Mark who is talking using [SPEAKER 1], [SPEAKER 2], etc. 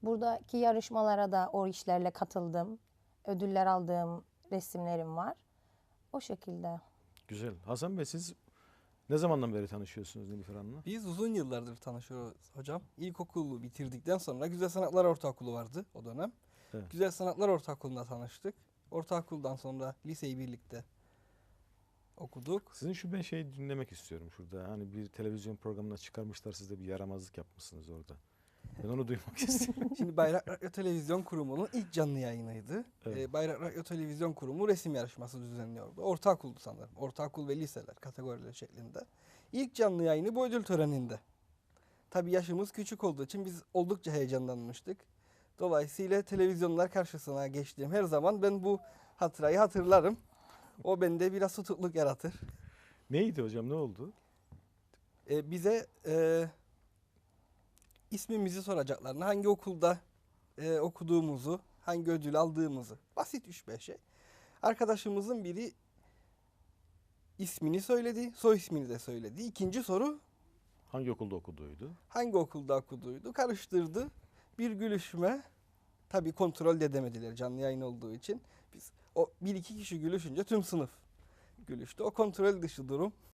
[SPEAKER 1] Buradaki yarışmalara da o işlerle katıldım. Ödüller aldığım resimlerim var. O şekilde.
[SPEAKER 2] Güzel. Hasan Bey, siz ne zamandan beri tanışıyorsunuz Nilüfer Hanım'la?
[SPEAKER 3] Biz uzun yıllardır tanışıyoruz hocam. İlkokulu bitirdikten sonra Güzel Sanatlar Ortaokulu vardı o dönem.
[SPEAKER 2] Evet.
[SPEAKER 3] Güzel Sanatlar Ortaokulu'nda tanıştık. Ortaokuldan sonra liseyi birlikte okuduk.
[SPEAKER 2] Sizin şu ben şeyi dinlemek istiyorum şurada. Hani bir televizyon programına çıkarmışlar, siz de bir yaramazlık yapmışsınız orada. Ben onu duymak istiyorum.
[SPEAKER 3] Şimdi Bayrak Radyo Televizyon Kurumu'nun ilk canlı yayınıydı.
[SPEAKER 2] Evet.
[SPEAKER 3] Bayrak Radyo Televizyon Kurumu resim yarışması düzenliyordu. Ortaokuldu sanırım. Ortaokul ve liseler kategorileri şeklinde. İlk canlı yayını bu ödül töreninde. Tabii yaşımız küçük olduğu için biz oldukça heyecanlanmıştık. Dolayısıyla televizyonlar karşısına geçtiğim her zaman ben bu hatırayı hatırlarım. O bende biraz tutukluk yaratır.
[SPEAKER 2] Neydi hocam, ne oldu?
[SPEAKER 3] Bize ismimizi soracaklarını, hangi okulda okuduğumuzu, hangi ödül aldığımızı. Basit 3-5 şey. Arkadaşımızın biri ismini söyledi, soy ismini de söyledi. İkinci soru
[SPEAKER 2] Hangi okulda okuduydu?
[SPEAKER 3] hangi okulda okuduydu? Karıştırdı. Bir gülüşme. Tabii kontrol de edemediler canlı yayın olduğu için. Biz o bir iki kişi gülüşünce tüm sınıf gülüştü. O kontrol dışı durum.